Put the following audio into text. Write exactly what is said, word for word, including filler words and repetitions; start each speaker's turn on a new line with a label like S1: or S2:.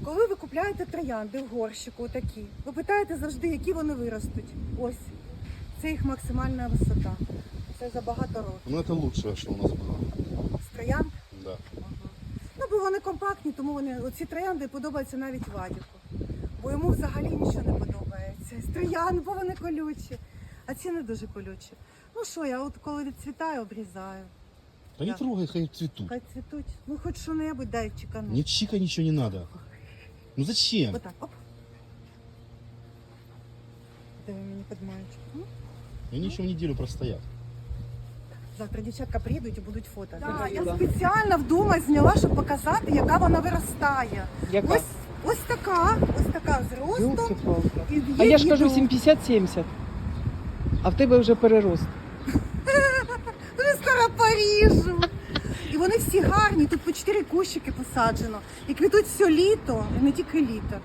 S1: Коли ви купляєте троянди в горщику такі, ви питаєте завжди, які вони виростуть. Ось. Це їх максимальна висота. Це за багато років.
S2: Ну это лучшее, что у нас было.
S1: З троянд?
S2: Да.
S1: Ага. Ну, бо вони компактні, тому вони, оці троянди подобаються навіть Вадіку. Бо йому взагалі нічого не подобається. З троянд, бо вони колючі. А ці не дуже колючі. Ну що, я от коли відцвітаю, обрізаю.
S2: Да не
S1: Да.
S2: трогай, хай цветут.
S1: Хай цвітуть. Ну хоч що-небудь дай чекану.
S2: Не чика, ничего не надо. Ну зачем?
S1: Отак, оп. Де ви мені підмаєте? Ну,
S2: Они еще в неделю простоят.
S1: завтра дівчатка приїдуть і будуть фото.
S3: Да,
S1: я
S3: да.
S1: спеціально вдома зняла, щоб показати, яка вона виростає.
S3: Яка?
S1: Ось, ось така, ось така з ростом.
S3: Ёлки-палки.
S1: І
S3: А
S1: є
S3: я ж кажу
S1: відео.
S3: сімдесят-сімдесят. А в тебе вже перерост.
S1: Вже скоро поріжу. І вони всі гарні, тут по чотири кущики посаджено. І квітуть все літо, і не тільки літо.